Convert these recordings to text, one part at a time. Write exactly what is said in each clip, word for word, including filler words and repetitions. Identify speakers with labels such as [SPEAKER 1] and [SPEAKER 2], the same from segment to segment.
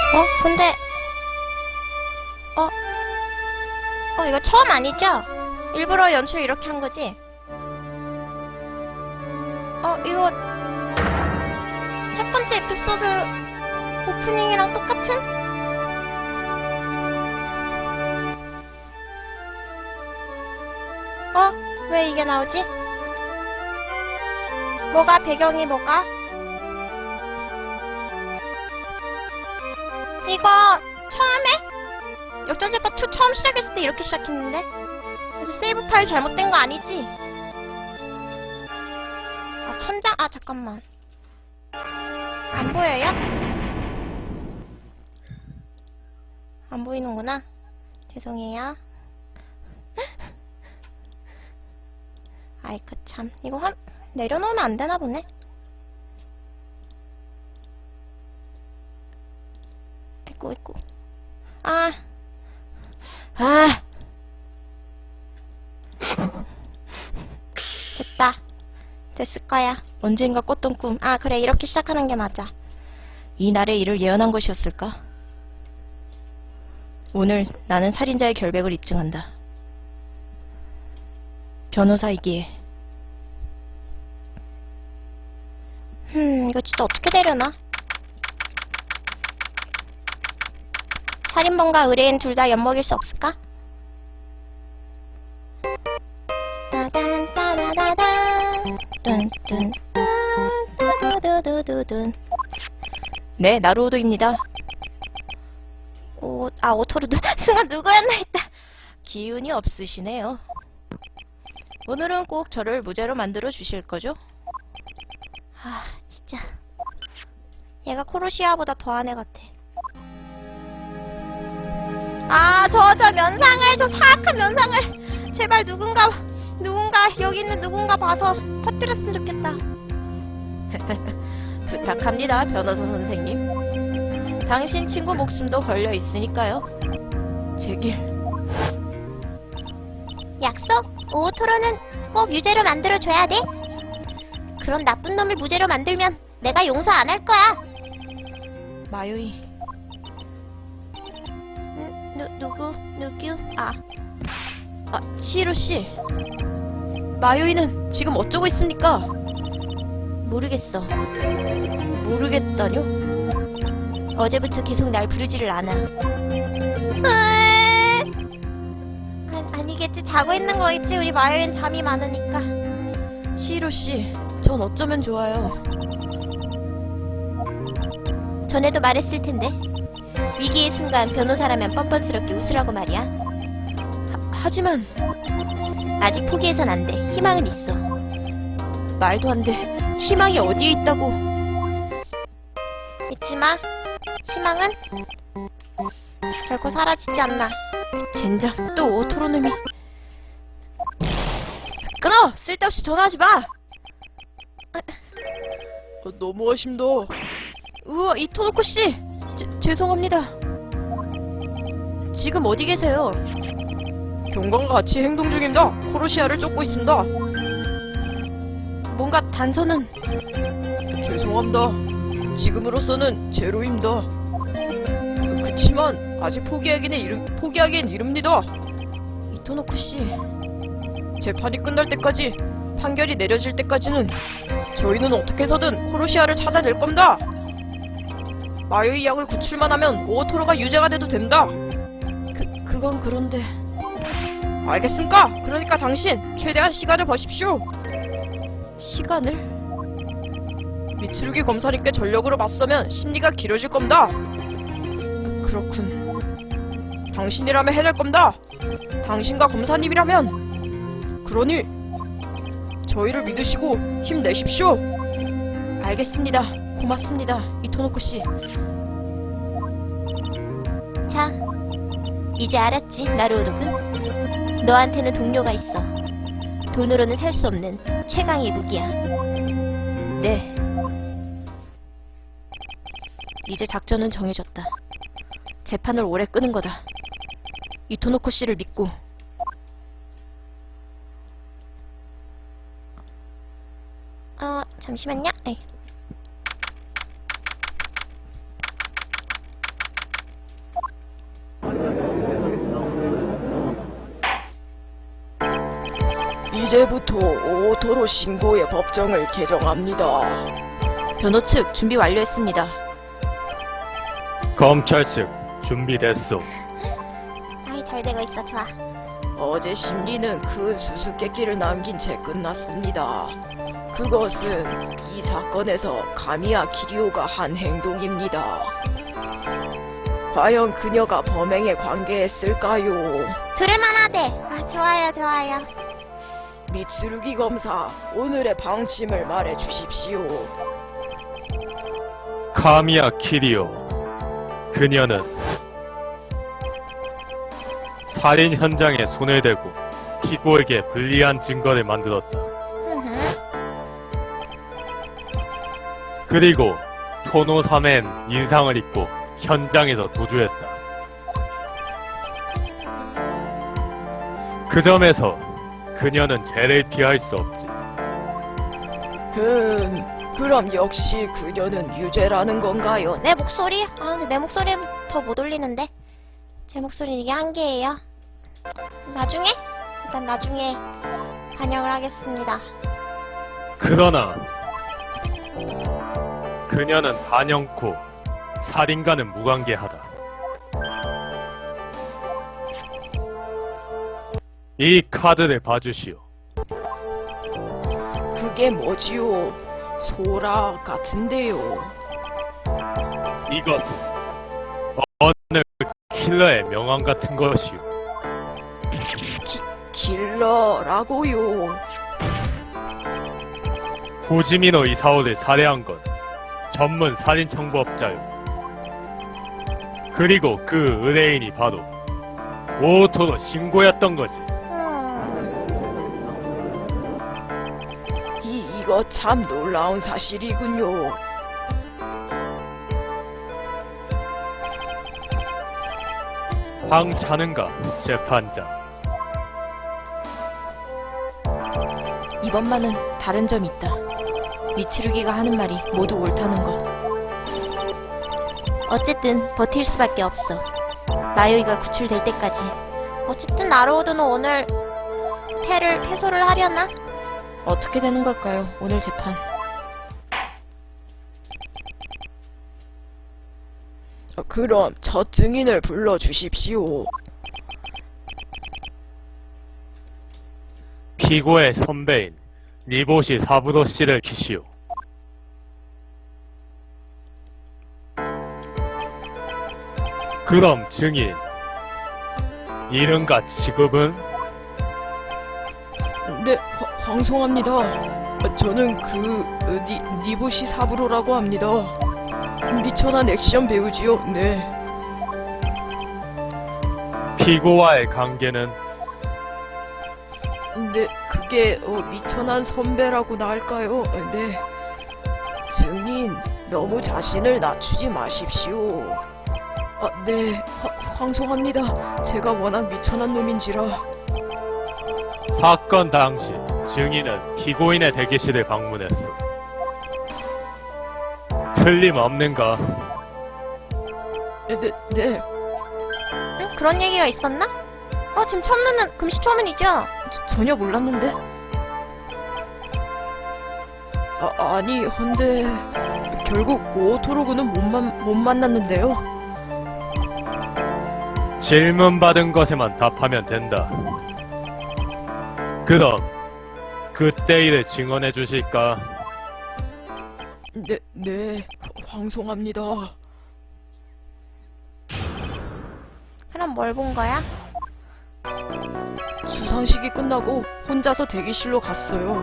[SPEAKER 1] 어? 근데 어? 어 이거 처음 아니죠? 일부러 연출 이렇게 한 거지? 어 이거 첫 번째 에피소드 오프닝이랑 똑같은? 어? 왜 이게 나오지? 뭐가 배경이 뭐가? 이거 처음에? 역전제파 투 처음 시작했을 때 이렇게 시작했는데? 그래서 세이브 파일 잘못된 거 아니지? 아 천장? 아 잠깐만 안 보여요? 안 보이는구나. 죄송해요. 아이쿠 참 이거 한 내려놓으면 안 되나 보네. 아이고 아이고 아 아 됐다. 됐을 거야. 언젠가 꿨던 꿈. 아 그래 이렇게 시작하는 게 맞아. 이 날의 일을 예언한 것이었을까? 오늘 나는 살인자의 결백을 입증한다. 변호사이기에. 흠 이거 진짜 어떻게 되려나? 살인범과 의뢰인 둘 다 엿먹일 수 없을까? 따단 따다다단 뚠뚠 뚜두두두두둔. 네 나루오도입니다. 오, 아 오토르도 순간 누구였나 했다. 기운이 없으시네요. 오늘은 꼭 저를 무죄로 만들어 주실 거죠? 아 진짜 얘가 코르시아보다 더한 애 같아. 아 저 저 면상을 저 사악한 면상을 제발 누군가 누군가 여기 있는 누군가 봐서 퍼뜨렸으면 좋겠다. 부탁합니다 변호사 선생님. 당신 친구 목숨도 걸려 있으니까요. 제길. 약속? 오토로는 꼭 유죄로 만들어줘야 돼? 그런 나쁜 놈을 무죄로 만들면 내가 용서 안 할 거야. 마요이. 음, 누, 누구? 누구? 아. 아, 치히로씨. 마요이는 지금 어쩌고 있습니까? 모르겠어. 모르겠다뇨? 어제부터 계속 날 부르지를 않아. 아, 아니겠지. 자고 있는 거겠지. 우리 마요이는 잠이 많으니까. 치히로씨, 전 어쩌면 좋아요. 전에도 말했을 텐데. 위기의 순간 변호사라면 뻔뻔스럽게 웃으라고 말이야. 하, 하지만 아직 포기해선 안 돼. 희망은 있어. 말도 안 돼. 희망이 어디에 있다고. 잊지 마. 희망은 결코 사라지지 않나. 젠장 또 오토로놈이. 끊어! 쓸데없이 전화하지 마!
[SPEAKER 2] 어, 너무하십니다.
[SPEAKER 1] 우와 이토노코씨! 죄송합니다. 지금 어디 계세요?
[SPEAKER 2] 경관과 같이 행동 중입니다. 코르시아를 쫓고 있습니다.
[SPEAKER 1] 뭔가 단서는...
[SPEAKER 2] 죄송합니다. 지금으로서는 제로입니다. 그치만 아직 포기하기는 이름, 포기하기엔 이릅니다.
[SPEAKER 1] 이토노코씨...
[SPEAKER 2] 재판이 끝날 때까지, 판결이 내려질 때까지는 저희는 어떻게 해서든 코르시아를 찾아낼 겁니다. 마요이 양을 구출만 하면 오토로가 유죄가 돼도 된다.
[SPEAKER 1] 그, 그건 그런데...
[SPEAKER 2] 알겠습니까? 그러니까 당신 최대한 시간을 버십시오.
[SPEAKER 1] 시간을?
[SPEAKER 2] 미츠루기 검사님께 전력으로 맞서면 심리가 길어질 겁니다. 그렇군. 당신이라면 해낼 겁니다. 당신과 검사님이라면. 그러니 저희를 믿으시고 힘내십시오.
[SPEAKER 1] 알겠습니다. 고맙습니다. 이토노코씨. 자, 이제 알았지, 나루오도군? 너한테는 동료가 있어. 돈으로는 살 수 없는 최강의 무기야. 네. 이제 작전은 정해졌다. 재판을 오래 끄는 거다. 이토노코씨를 믿고. 어, 잠시만요. 에이.
[SPEAKER 2] 이제부터 오토로 신고의 법정을 개정합니다. 변호 측 준비 완료했습니다.
[SPEAKER 3] 검찰 측 준비됐소.
[SPEAKER 1] 아이, 잘 되고 있어. 좋아.
[SPEAKER 2] 어제 심리는 큰 수수께끼를 남긴 채 끝났습니다. 그것은 이 사건에서 가미야 키리오가 한 행동입니다. 과연 그녀가 범행에 관계했을까요?
[SPEAKER 1] 들을만하대. 아, 좋아요, 좋아요.
[SPEAKER 2] 미츠루기 검사, 오늘의 방침을 말해 주십시오.
[SPEAKER 3] 카미야 키리오. 그녀는 살인 현장에 손을 대고 피고에게 불리한 증거를 만들었다. 그리고 토노사멘 인상을 입고 현장에서 도주했다. 그 점에서 그녀는 죄를 피할 수 없지.
[SPEAKER 2] 음, 그럼 역시 그녀는 유죄라는 건가요?
[SPEAKER 1] 내 목소리? 아, 근데 내 목소리 더 못 올리는데. 제 목소리는 이게 한계예요. 나중에? 일단 나중에 반영을 하겠습니다.
[SPEAKER 3] 그러나 그녀는 단연코 살인과는 무관계하다. 이 카드를 봐주시오.
[SPEAKER 2] 그게 뭐지요? 소라 같은데요.
[SPEAKER 3] 이것은 어느 킬러의 명함 같은 것이오.
[SPEAKER 2] 킬러라고요.
[SPEAKER 3] 호지미노 이사오를 살해한 건 전문 살인 청부업자요. 그리고 그 의뢰인이 바로 오토로 신고였던 거지.
[SPEAKER 1] 음,
[SPEAKER 2] 이, 이거 참 놀라운 사실이군요.
[SPEAKER 3] 황차는가, 재판장.
[SPEAKER 2] 이번만은 다른 점이 있다. 미치루기가 하는 말이 모두 옳다는 것.
[SPEAKER 1] 어쨌든 버틸 수밖에 없어. 마요이가 구출될 때까지. 어쨌든 나로우드는 오늘 패를 패소를 하려나?
[SPEAKER 2] 어떻게 되는 걸까요? 오늘 재판. 어, 그럼 첫 증인을 불러주십시오.
[SPEAKER 3] 피고의 선배인 니보시 사부로 씨를 키시오. 그럼 증인 이름과 직업은?
[SPEAKER 2] 네, 화, 황송합니다. 어, 저는 그 어, 니, 니보시 사부로라고 합니다. 미천한 액션 배우지요. 네.
[SPEAKER 3] 피고와의 관계는?
[SPEAKER 2] 네, 그게 어, 미천한 선배라고나 할까요? 어, 네. 증인, 너무 자신을 낮추지 마십시오. 아, 네, 화, 황송합니다. 제가 워낙 미천한 놈인지라.
[SPEAKER 3] 사건 당시 증인은 피고인의 대기실을 방문했어. 틀림없는가?
[SPEAKER 2] 네, 네, 네.
[SPEAKER 1] 응? 그런 얘기가 있었나? 어, 지금 처음 듣는 금시초문이죠?
[SPEAKER 2] 저, 전혀 몰랐는데. 아, 아니, 헌데 결국 오토로그는 못, 만, 못 만났는데요.
[SPEAKER 3] 질문받은 것에만 답하면 된다. 그럼 그때 일을 증언해 주실까?
[SPEAKER 2] 네, 네, 황송합니다.
[SPEAKER 1] 그럼 뭘 본 거야?
[SPEAKER 2] 수상식이 끝나고 혼자서 대기실로 갔어요.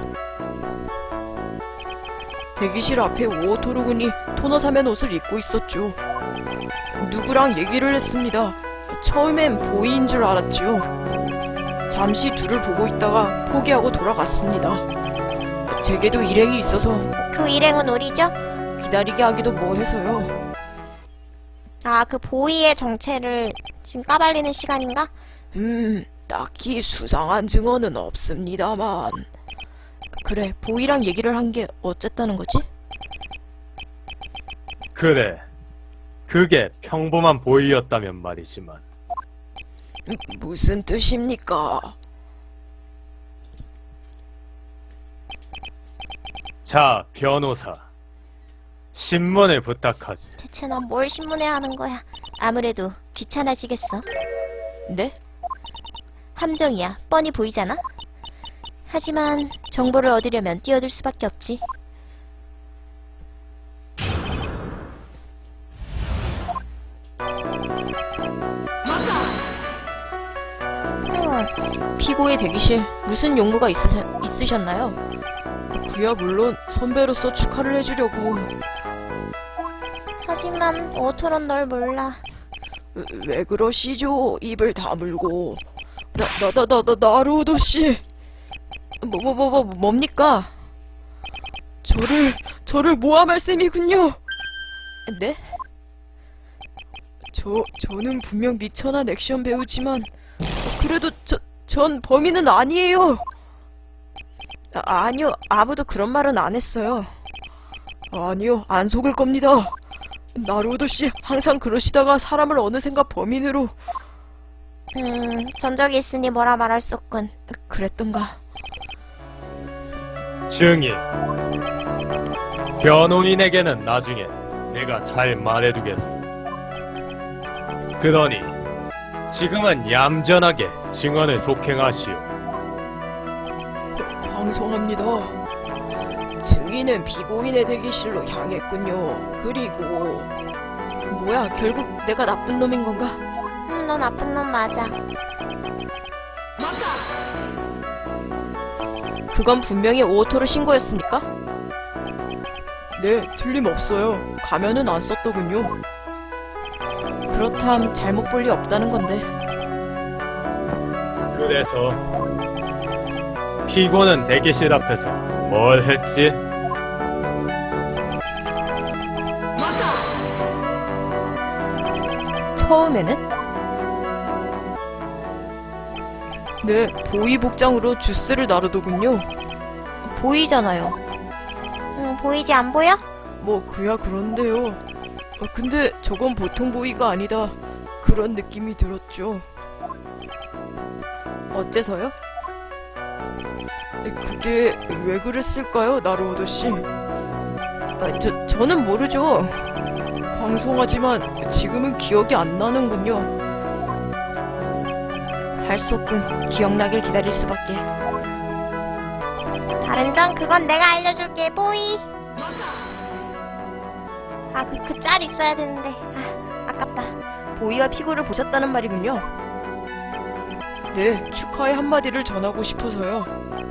[SPEAKER 2] 대기실 앞에 오토로군이 토너사면 옷을 입고 있었죠. 누구랑 얘기를 했습니다. 처음엔 보이인 줄 알았죠. 잠시 둘을 보고 있다가 포기하고 돌아갔습니다. 제게도 일행이 있어서
[SPEAKER 1] 그 일행은 우리죠?
[SPEAKER 2] 기다리게 하기도 뭐해서요.
[SPEAKER 1] 아, 그 보이의 정체를 지금 까발리는 시간인가?
[SPEAKER 2] 음, 딱히 수상한 증언은 없습니다만. 그래, 보이랑 얘기를 한 게 어쨌다는 거지?
[SPEAKER 3] 그래. 그게 평범한 보이였다면 말이지만.
[SPEAKER 2] 음, 무슨 뜻입니까?
[SPEAKER 3] 자, 변호사. 신문을 부탁하지.
[SPEAKER 1] 대체 넌 뭘 신문에 하는 거야? 아무래도 귀찮아지겠어.
[SPEAKER 2] 네?
[SPEAKER 1] 함정이야. 뻔히 보이잖아? 하지만 정보를 얻으려면 뛰어들 수밖에 없지.
[SPEAKER 2] 음, 피고의 대기실 무슨 용무가 있으, 있으셨나요? 그야 물론 선배로서 축하를 해주려고.
[SPEAKER 1] 하지만 오토론 널 몰라.
[SPEAKER 2] 왜, 왜 그러시죠? 입을 다물고. 나, 나, 나, 나, 나, 나루오도 씨. 뭐, 뭐, 뭐, 뭐, 뭡니까? 저를, 저를 모함할 셈이군요. 네? 저, 저는 분명 미천한 액션 배우지만, 그래도 저, 전 범인은 아니에요. 아, 아니요, 아무도 그런 말은 안 했어요. 아니요, 안 속을 겁니다. 나루오도 씨 항상 그러시다가 사람을 어느샌가 범인으로.
[SPEAKER 1] 음, 전적이 있으니 뭐라 말할 수 없군.
[SPEAKER 2] 그랬던가.
[SPEAKER 3] 증인. 변호인에게는 나중에 내가 잘 말해두겠어. 그러니 지금은 얌전하게 증언을 속행하시오.
[SPEAKER 2] 방송합니다. 증인은 피고인의 대기실로 향했군요. 그리고 뭐야, 결국 내가 나쁜 놈인 건가?
[SPEAKER 1] 음, 넌 나쁜 놈 맞아.
[SPEAKER 2] 그건 분명히 오토로 신고였습니까? 네, 틀림없어요. 가면은 안 썼더군요. 그렇담 잘못 볼 리 없다는 건데.
[SPEAKER 3] 그래서 피고는 대기실 앞에서 뭘 했지?
[SPEAKER 2] 처음에는? 네, 보이 복장으로 주스를 나르더군요. 보이잖아요.
[SPEAKER 1] 응, 보이지 안 보여?
[SPEAKER 2] 뭐 그야 그런데요. 어, 근데 저건 보통 보이가 아니다. 그런 느낌이 들었죠. 어째서요? 에, 그게 왜 그랬을까요, 나루오도 씨? 아, 저 저는 모르죠. 방송하지만 지금은 기억이 안 나는군요. 할 수 없군. 기억나길 기다릴 수밖에.
[SPEAKER 1] 다른 점 그건 내가 알려줄게. 보이. 아, 그 그 짤 있어야 되는데. 아, 아깝다.
[SPEAKER 2] 보이와 피고를 보셨다는 말이군요. 네, 축하의 한마디를 전하고 싶어서요.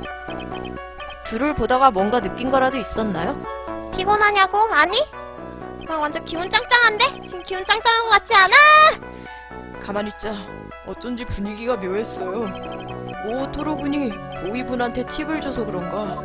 [SPEAKER 2] 둘을 보다가 뭔가 느낀 거라도 있었나요?
[SPEAKER 1] 피곤하냐고? 아니? 나 완전 기운 짱짱한데? 지금 기운 짱짱한 것 같지 않아?
[SPEAKER 2] 가만히 있자. 어쩐지 분위기가 묘했어요. 오토로 군이 보이분한테 팁을 줘서 그런가.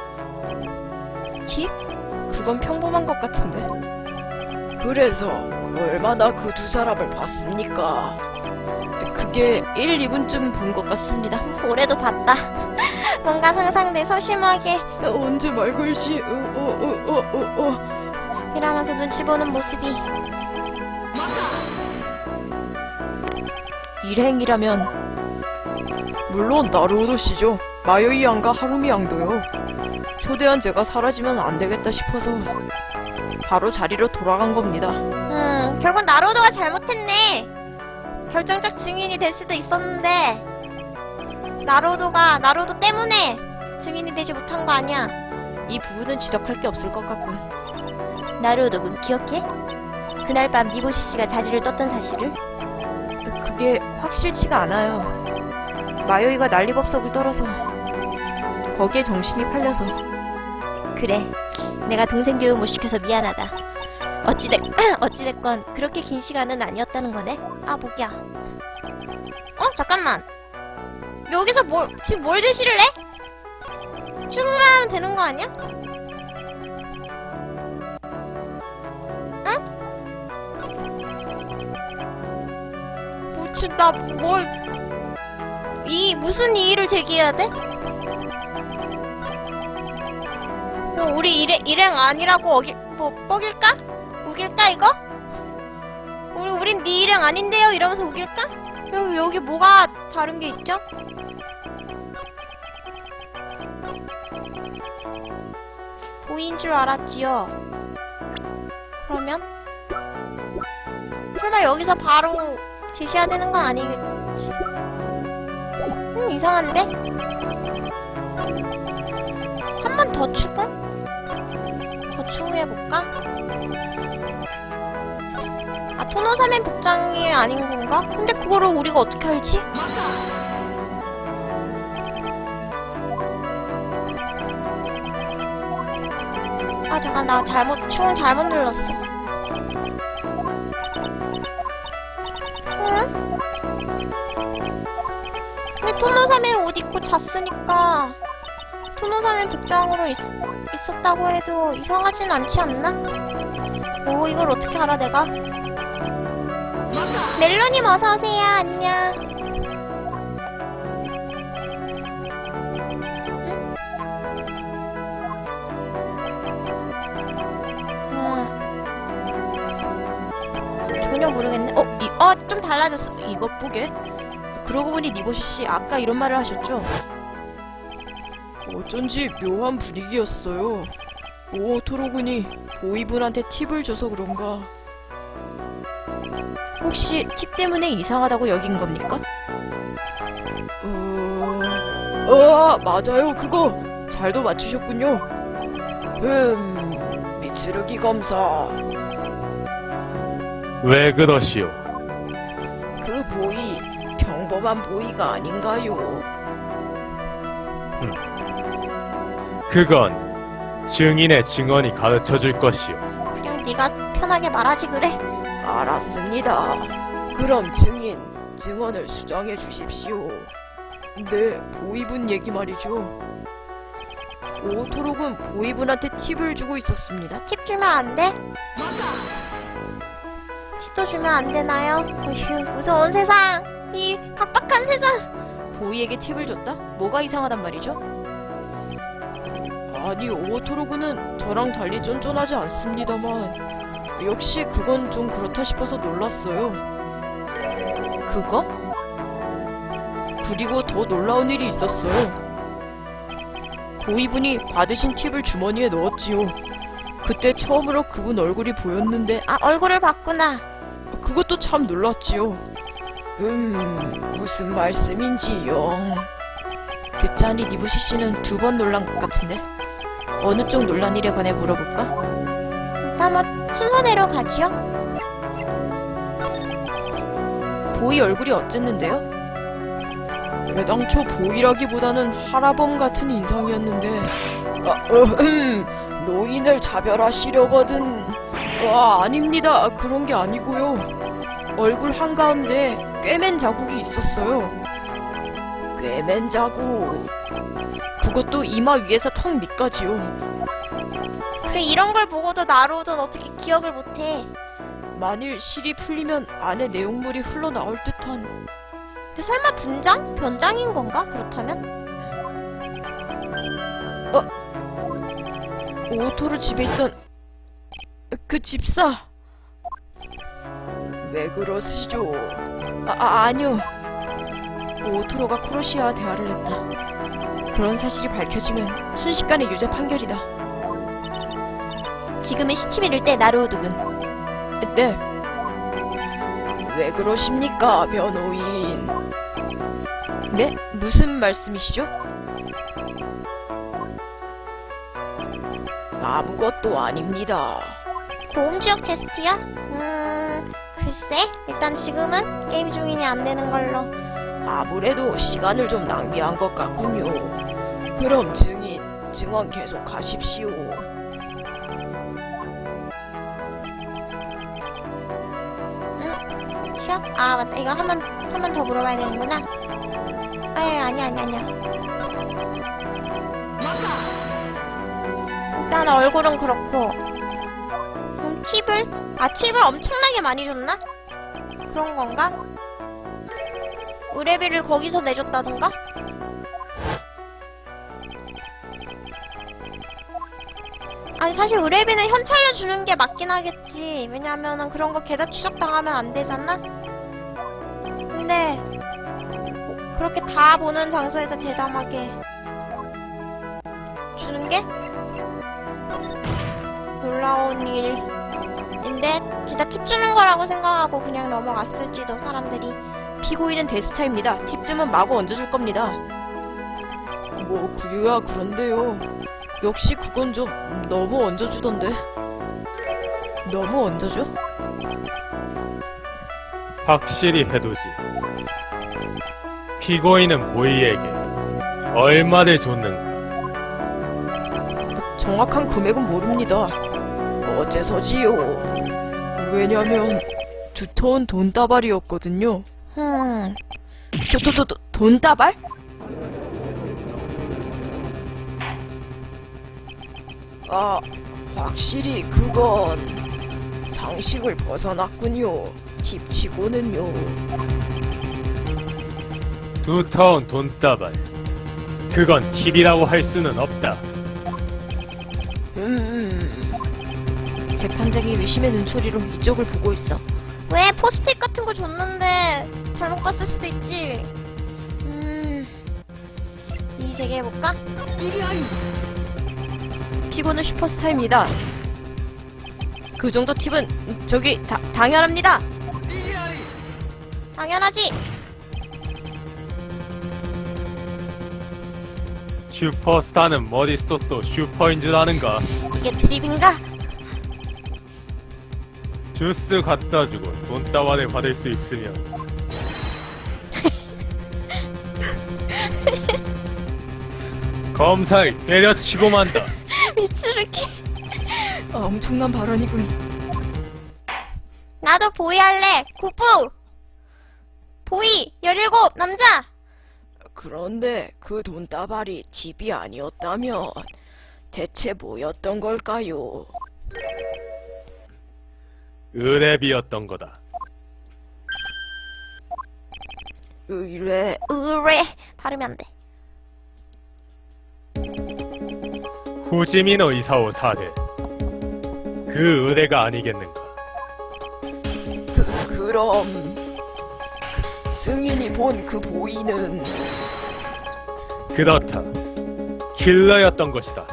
[SPEAKER 2] 팁? 그건 평범한 것 같은데. 그래서 얼마나 그 두 사람을 봤습니까? 그게 일, 이 분쯤 본 것 같습니다.
[SPEAKER 1] 올해도 봤다. 뭔가 상상돼 소심하게
[SPEAKER 2] 언제 말 걸지? 어, 어, 어, 어, 어, 어.
[SPEAKER 1] 이러면서 눈치 보는 모습이.
[SPEAKER 2] 일행이라면 물론 나루오도 씨죠. 마요이 양과 하루미 양도요. 초대한 제가 사라지면 안 되겠다 싶어서 바로 자리로 돌아간 겁니다.
[SPEAKER 1] 음, 결국 나로도가 잘못했네. 결정적 증인이 될 수도 있었는데 나로도가 나로도 때문에 증인이 되지 못한 거 아니야.
[SPEAKER 2] 이 부분은 지적할 게 없을 것 같군.
[SPEAKER 1] 나로도군 기억해? 그날 밤 니보시 씨가 자리를 떴던 사실을?
[SPEAKER 2] 그게 확실치가 않아요. 마요이가 난리법석을 떨어서 거기에 정신이 팔려서.
[SPEAKER 1] 그래, 내가 동생 교육 못 시켜서 미안하다. 어찌됐, 어찌됐건 그렇게 긴 시간은 아니었다는 거네. 아, 목이야. 어? 잠깐만. 여기서 뭘, 지금 뭘 제시를 해? 충분하면 되는 거 아니야? 응? 뭐, 지금 나 뭘, 이, 무슨 이의를 제기해야 돼? 뭐 우리 일행, 일행 아니라고 어기, 뭐, 뻐길까? 우길까, 이거? 우리, 우린 네 일행 아닌데요? 이러면서 우길까? 여기, 여기 뭐가 다른 게 있죠? 보이인 줄 알았지요. 그러면 설마 여기서 바로 제시해야 되는 건 아니겠지? 음, 이상한데? 한 번 더 추궁? 더 추궁해볼까? 아, 토노사멘 복장이 아닌 건가? 근데 그거를 우리가 어떻게 알지? 아, 잠깐, 나 잘못, 추궁 잘못 눌렀어. 응? 근데 토노사멘 옷 입고 잤으니까 토노사멘 복장으로 있, 있었다고 해도 이상하진 않지 않나? 오, 이걸 어떻게 알아 내가? 멜로님 어서오세요. 안녕. 응? 전혀 모르겠네. 어, 이, 어, 좀 달라졌어.
[SPEAKER 2] 이것 보게. 그러고 보니 니보시 씨 아까 이런 말을 하셨죠? 어쩐지 묘한 분위기였어요. 오토로군이 보이분한테 팁을 줘서 그런가. 혹시 팁 때문에 이상하다고 여긴 겁니까? 어... 어, 맞아요, 그거! 잘도 맞추셨군요. 음... 미츠루기 검사.
[SPEAKER 3] 왜 그러시오?
[SPEAKER 2] 그 보이, 평범한 보이가 아닌가요?
[SPEAKER 3] 그건 증인의 증언이 가르쳐줄 것이오.
[SPEAKER 1] 그냥 네가 편하게 말하지 그래.
[SPEAKER 2] 알았습니다. 그럼 증인, 증언을 수정해 주십시오. 네, 보이분 얘기 말이죠. 오토록은 보이분한테 팁을 주고 있었습니다.
[SPEAKER 1] 팁 주면 안 돼? 팁도 주면 안 되나요? 어휴, 무서운 세상. 이 각박한 세상.
[SPEAKER 2] 보이에게 팁을 줬다? 뭐가 이상하단 말이죠? 아니, 오토로그는 저랑 달리 쫀쫀하지 않습니다만 역시 그건 좀 그렇다 싶어서 놀랐어요. 그거? 그리고 더 놀라운 일이 있었어요. 보이분이 받으신 팁을 주머니에 넣었지요. 그때 처음으로 그분 얼굴이 보였는데
[SPEAKER 1] 아, 얼굴을 봤구나.
[SPEAKER 2] 그것도 참 놀랐지요. 음... 무슨 말씀인지요. 듣자니 니부시 씨는 두 번 놀란 것 같은데 어느 쪽 놀란 일에 관해 물어볼까?
[SPEAKER 1] 일단 뭐 순서대로 가지요.
[SPEAKER 2] 보이 얼굴이 어쨌는데요? 애당초 보이라기보다는 하라범 같은 인상이었는데 아, 어, 음, 노인을 차별하시려거든. 와, 아닙니다. 그런 게 아니고요. 얼굴 한가운데 꿰맨 자국이 있었어요. 꿰맨 자국. 그것도 이마 위에서 턱 밑까지요.
[SPEAKER 1] 그래, 이런 걸 보고도 나로든 어떻게 기억을 못해.
[SPEAKER 2] 만일 실이 풀리면 안에 내용물이 흘러나올 듯한.
[SPEAKER 1] 근데 설마 분장? 변장인 건가? 그렇다면?
[SPEAKER 2] 오토로 집에 있던 그 집사. 왜 그러시죠? 아, 아 아니요. 오토로가 코로시아와 대화를 했다. 그런 사실이 밝혀지면 순식간에 유죄 판결이다.
[SPEAKER 1] 지금은 시침이 이를 때 나루오두군.
[SPEAKER 2] 네. 왜 그러십니까, 변호인? 네? 무슨 말씀이시죠? 아무것도 아닙니다.
[SPEAKER 1] 고음지역 테스트야? 음... 글쎄, 일단 지금은 게임 중이니 안 되는 걸로.
[SPEAKER 2] 아무래도 시간을 좀 낭비한 것 같군요. 그럼 증인, 증언 계속 하십시오.
[SPEAKER 1] 시작? 아, 맞다. 이거 한 번, 한 번 더 물어봐야 되는구나. 아니, 아니, 아니, 아니야. 일단 얼굴은 그렇고. 그럼 팁을? 아, 팁을 엄청나게 많이 줬나? 그런 건가? 의뢰비를 거기서 내줬다던가? 아니, 사실 의뢰비는 현찰로 주는 게 맞긴 하겠지. 왜냐면은 그런 거 계좌 추적당하면 안 되잖아? 근데 뭐 그렇게 다 보는 장소에서 대담하게 주는 게 놀라운 일인데 진짜 팁 주는 거라고 생각하고 그냥 넘어갔을지도 사람들이.
[SPEAKER 2] 피고인은 데스타입니다. 팁쯤은 마구 얹어줄 겁니다. 뭐 그게야 그런데요. 역시 그건 좀 너무 얹어주던데. 너무 얹어줘?
[SPEAKER 3] 확실히 해두지. 피고인은 보이에게 얼마를 줬는가?
[SPEAKER 2] 정확한 금액은 모릅니다. 어째서지요? 왜냐면 두터운 돈다발이었거든요.
[SPEAKER 1] 흠.
[SPEAKER 2] 도, 도, 도, 도, 돈다발? 아, 확실히 그건 상식을 벗어났군요. 팁치고는요.
[SPEAKER 3] 두터운 돈다발. 그건 팁이라고 할 수는 없다.
[SPEAKER 2] 음, 재판장이 의심의 눈초리로 이쪽을 보고 있어.
[SPEAKER 1] 왜 포스트잇 같은 거 줬는데 잘못 봤을 수도 있지. 음. 이 재개해볼까?
[SPEAKER 2] 피고는 슈퍼스타입니다. 그 정도 팁은 저기 다, 당연합니다.
[SPEAKER 1] 당연하지.
[SPEAKER 3] 슈퍼스타는 머릿속도 슈퍼인 줄 아는가?
[SPEAKER 1] 이게 드립인가?
[SPEAKER 3] 주스 갖다 주고 돈다발을 받을 수 있으면 검사를 때려치고 만다.
[SPEAKER 1] 미츠루키.
[SPEAKER 2] 아, 엄청난 발언이군.
[SPEAKER 1] 나도 보이 할래. 구부. 보이 열일곱 남자.
[SPEAKER 2] 그런데 그 돈다발이 팁이 아니었다면 대체 뭐였던 걸까요?
[SPEAKER 3] 의뢰비였던 거다.
[SPEAKER 2] 의뢰...
[SPEAKER 1] 으레 발음이 안 돼.
[SPEAKER 3] 후지미노 이사오 사대. 그 의뢰가 아니겠는가?
[SPEAKER 2] 그... 그럼... 그 승인이 본 그 보이는...
[SPEAKER 3] 그렇다. 킬러였던 것이다.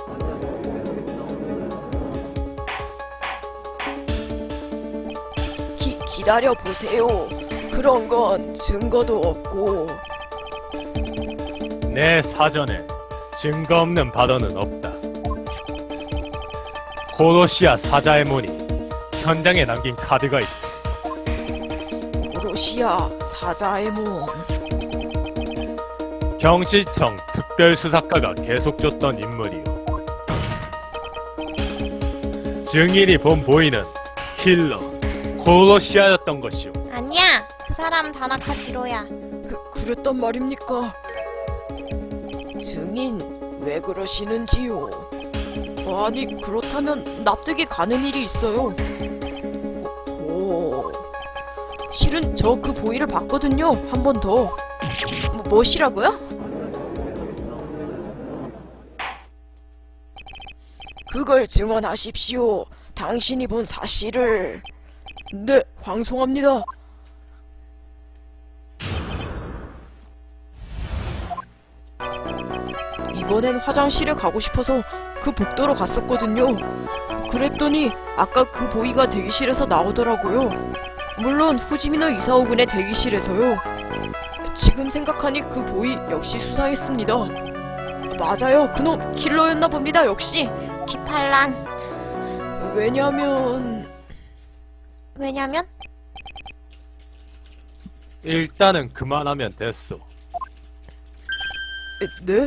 [SPEAKER 2] 기, 기다려보세요. 그런 건 증거도 없고...
[SPEAKER 3] 내 사전에 증거 없는 발언은 없다. 고로시아 사자의 문이 현장에 남긴 카드가 있지.
[SPEAKER 2] 고로시아 사자에몬...
[SPEAKER 3] 경실청 특별수사과가 계속 줬던 인물이요. 증인이 본 보이는 킬러 고로시아였던 것이오.
[SPEAKER 1] 아니야. 그 사람 다나카 지로야.
[SPEAKER 2] 그, 그랬단 말입니까? 증인, 왜 그러시는지요? 아니, 그렇다면 납득이 가는 일이 있어요. 오, 실은 저 그 보이를 봤거든요. 한 번 더. 뭐, 뭐시라고요? 그걸 증언하십시오. 당신이 본 사실을. 네, 황송합니다. 이번엔 화장실에 가고 싶어서 그 복도로 갔었거든요. 그랬더니 아까 그 보이가 대기실에서 나오더라고요. 물론 후지미노 이사오군의 대기실에서요. 지금 생각하니 그 보이 역시 수상했습니다. 맞아요. 그놈 킬러였나 봅니다. 역시.
[SPEAKER 1] 기팔란.
[SPEAKER 2] 왜냐면...
[SPEAKER 1] 왜냐면
[SPEAKER 3] 일단은 그만하면 됐소.
[SPEAKER 2] 에, 네?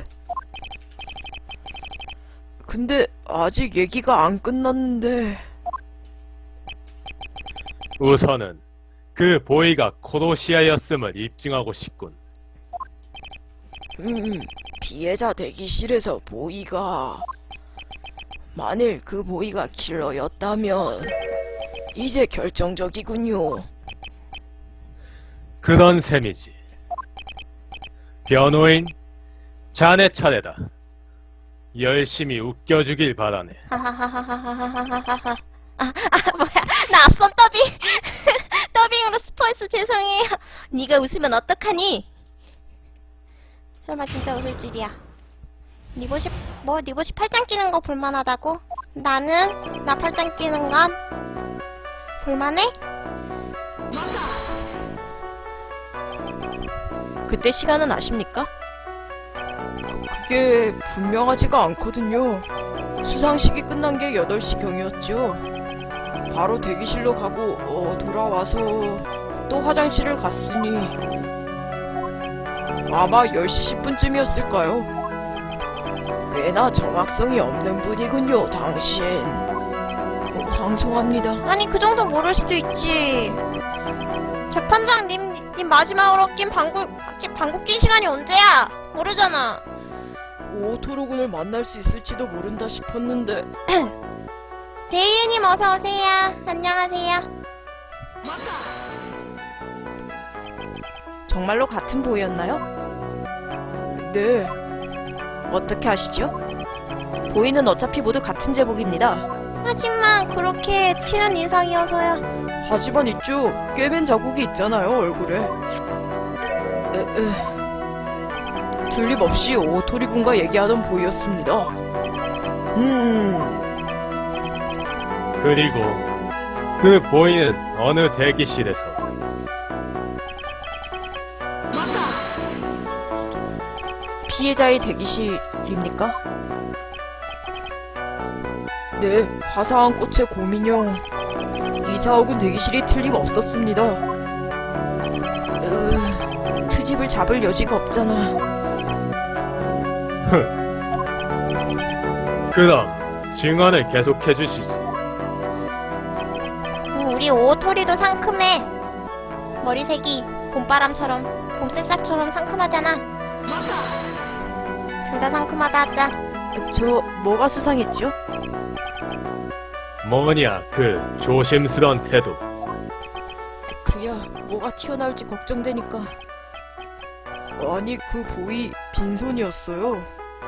[SPEAKER 2] 근데 아직 얘기가 안 끝났는데...
[SPEAKER 3] 우선은 그 보이가 코로시아였음을 입증하고 싶군.
[SPEAKER 2] 음, 피해자 대기실에서 보이가... 만일 그 보이가 킬러였다면 이제 결정적이군요.
[SPEAKER 3] 그런 셈이지. 변호인, 자네 차례다. 열심히 웃겨주길 바라네.
[SPEAKER 1] 하하하하하하하하하. 아, 아 뭐야? 나 앞선 더빙 더빙으로 스포했어. 죄송해요. 네가 웃으면 어떡하니? 설마 진짜 웃을 줄이야. 니보시 뭐 니보시 팔짱 끼는 거 볼만하다고? 나는 나팔장 끼는 건 볼만해?
[SPEAKER 2] 그때 시간은 아십니까? 그게 분명하지가 않거든요. 수상식이 끝난 게 여덟 시경이었죠. 바로 대기실로 가고 어, 돌아와서 또 화장실을 갔으니 아마 열 시 십 분쯤이었을까요? 꽤나 정확성이 없는 분이군요, 당신. 어, 방송합니다.
[SPEAKER 1] 아니 그 정도 모를 수도 있지. 재판장 님, 님 마지막으로 낀 방구 낀 방구 낀 시간이 언제야? 모르잖아.
[SPEAKER 2] 오토로군을 만날 수 있을지도 모른다 싶었는데
[SPEAKER 1] 데이님 어서 오세요. 안녕하세요.
[SPEAKER 2] 정말로 같은 보이였나요? 네. 어떻게 아시죠? 보이는 어차피 모두 같은 제복입니다.
[SPEAKER 1] 하지만 그렇게 튀는 인상이어서야.
[SPEAKER 2] 하지만 있죠. 꿰맨 자국이 있잖아요, 얼굴에. 에, 에. 틀림없이 오토리군과 얘기하던 보이였습니다. 음...
[SPEAKER 3] 그리고 그 보이는 어느 대기실에서
[SPEAKER 2] 피해자의 대기실입니까? 네, 화사한 꽃의 고민형 이사옥은 대기실이 틀림없었습니다. 으... 트집을 잡을 여지가 없잖아.
[SPEAKER 3] 그럼 증언을 계속해 주시지.
[SPEAKER 1] 음, 우리 오토리도 상큼해. 머리색이 봄바람처럼 봄새싹처럼 상큼하잖아. 둘 다 상큼하다 하자.
[SPEAKER 2] 저 뭐가 수상했죠?
[SPEAKER 3] 뭐냐 그 조심스런 태도.
[SPEAKER 2] 그야 뭐가 튀어나올지 걱정되니까. 아니 그 보이 빈손이었어요.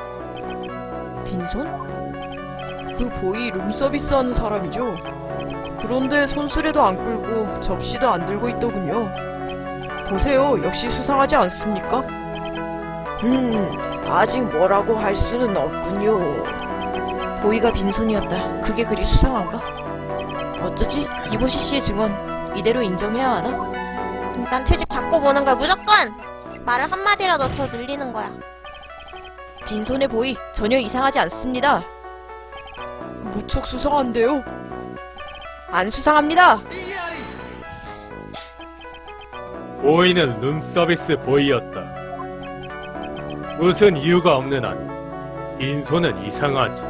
[SPEAKER 2] 빈손? 그 보이 룸서비스 하는 사람이죠. 그런데 손수레도 안 끌고 접시도 안 들고 있더군요. 보세요, 역시 수상하지 않습니까? 음, 아직 뭐라고 할 수는 없군요. 보이가 빈손이었다. 그게 그리 수상한가? 어쩌지? 이보시 씨의 증언 이대로 인정해야 하나?
[SPEAKER 1] 일단 트집 잡고 보는 걸 무조건! 말을 한마디라도 더 늘리는 거야.
[SPEAKER 2] 빈손의 보이 전혀 이상하지 않습니다. 무척 수상한데요? 안 수상합니다.
[SPEAKER 3] 보이는 룸서비스 보이였다. 무슨 이유가 없는 한 빈손은 이상하지.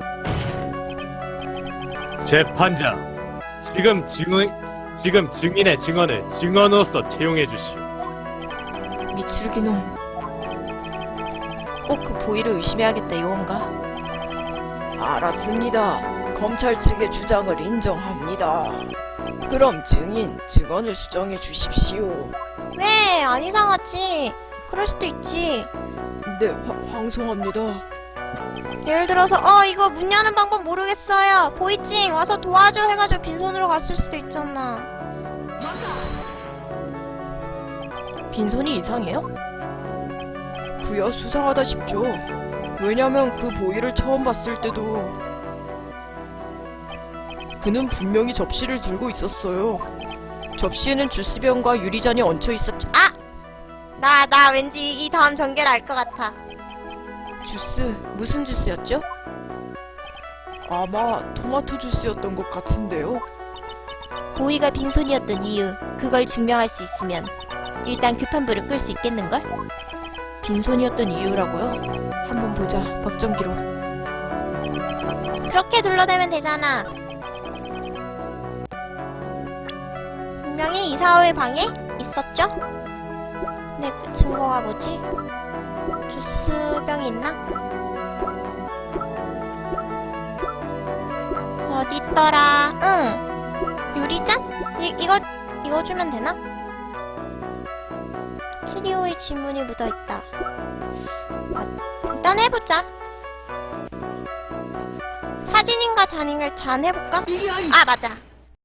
[SPEAKER 3] 재판장, 지금 증인, 지금 증인의 증언을 증언으로서 채용해 주시오.
[SPEAKER 2] 미추르기놈. 꼭 그 보이를 의심해야겠다 이건가? 알았습니다. 검찰 측의 주장을 인정합니다. 그럼 증인, 증언을 수정해 주십시오.
[SPEAKER 1] 왜? 안 이상하지. 그럴 수도 있지.
[SPEAKER 2] 네, 화, 황송합니다.
[SPEAKER 1] 예를 들어서 어 이거 문 여는 방법 모르겠어요. 보이찡 와서 도와줘 해가지고 빈손으로 갔을 수도 있잖아.
[SPEAKER 2] 빈손이 이상해요? 그야 수상하다 싶죠. 왜냐면 그 보이를 처음 봤을 때도 그는 분명히 접시를 들고 있었어요. 접시에는 주스병과 유리잔이 얹혀 있었죠.
[SPEAKER 1] 아! 나, 나 왠지 이 다음 전개를 알 것 같아.
[SPEAKER 2] 주스, 무슨 주스였죠? 아마 토마토 주스였던 것 같은데요.
[SPEAKER 1] 보이가 빈손이었던 이유, 그걸 증명할 수 있으면 일단 급한 불을 끌 수 있겠는걸?
[SPEAKER 2] 빈손이었던 이유라고요? 한번 보자, 법정 기록.
[SPEAKER 1] 그렇게 둘러대면 되잖아. 분명히 이사오의 방에 있었죠? 네, 그 증거가 뭐지? 주스병이 있나? 어디 있더라? 응. 유리잔? 이, 이거, 이거 주면 되나? 키리오의 지문이 묻어있다. 아, 일단 해보자. 사진인가 잔인가 잔 해볼까? 아, 맞아.